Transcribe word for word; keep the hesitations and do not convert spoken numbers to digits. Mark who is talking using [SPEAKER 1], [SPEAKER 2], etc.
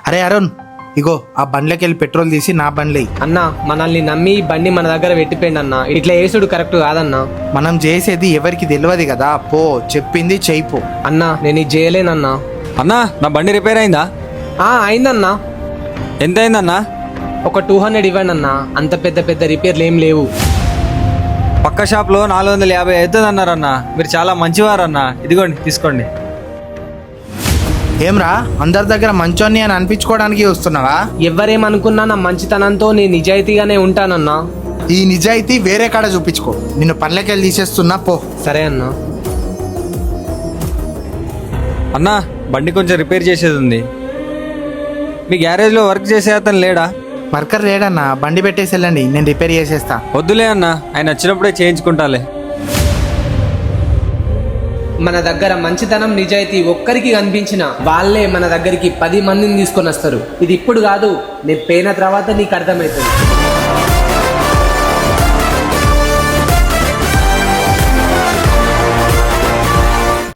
[SPEAKER 1] అరే అరుణ్, ఇగో ఆ బండ్లోకి వెళ్ళి పెట్రోల్ తీసి నా బండ్లే.
[SPEAKER 2] అన్న మనల్ని నమ్మి ఈ బండి మన దగ్గర పెట్టిపోయింది అన్న. ఇట్లా వేసుడు కరెక్ట్ కాదన్నా.
[SPEAKER 1] మనం చేసేది ఎవరికి తెలియదు కదా, పో చెప్పింది చెయ్యిపో.
[SPEAKER 2] అన్నా నేను ఇది చేయలేనన్నా.
[SPEAKER 3] అన్నా నా బండి రిపేర్ అయిందా?
[SPEAKER 2] ఆ అయిందన్నా.
[SPEAKER 3] ఎంత అయిందన్నా?
[SPEAKER 2] ఒక టూ హండ్రెడ్ ఇవ్వండి అన్న, అంత పెద్ద పెద్ద రిపేర్లు ఏం లేవు.
[SPEAKER 3] పక్క షాప్లో నాలుగు వందల యాభై అవుతుంది అన్నారన్నా. మీరు చాలా మంచివారన్నా, ఇదిగోండి తీసుకోండి.
[SPEAKER 1] ఏమ్రా, అందరి దగ్గర మంచోన్ని అని అనిపించుకోవడానికి వస్తున్నావా?
[SPEAKER 2] ఎవరేమనుకున్నా నా మంచితనంతో నేను నిజాయితీగానే ఉంటానన్నా.
[SPEAKER 1] ఈ నిజాయితీ వేరే కాడ చూపించుకో. నిన్ను పనులకి వెళ్ళి తీసేస్తున్నా, పో.
[SPEAKER 2] సరే అన్నా.
[SPEAKER 3] అన్నా బండి కొంచెం రిపేర్ చేసేది ఉంది. మీ గ్యారేజ్లో వర్క్ చేసే అతను లేడా?
[SPEAKER 1] వర్కర్ లేడన్నా, బండి పెట్టేసి వెళ్ళండి, నేను రిపేర్ చేసేస్తా.
[SPEAKER 3] వద్దులే అన్నా, ఆయన వచ్చినప్పుడే చేయించుకుంటాలే.
[SPEAKER 2] మన దగ్గర మంచితనం నిజాయితీ ఒక్కరికి కనిపించిన వాళ్ళే మన దగ్గరికి పది మందిని తీసుకొని వస్తారు. ఇది ఇప్పుడు కాదు, నేను పోయిన తర్వాత నీకు అర్థమవుతుంది.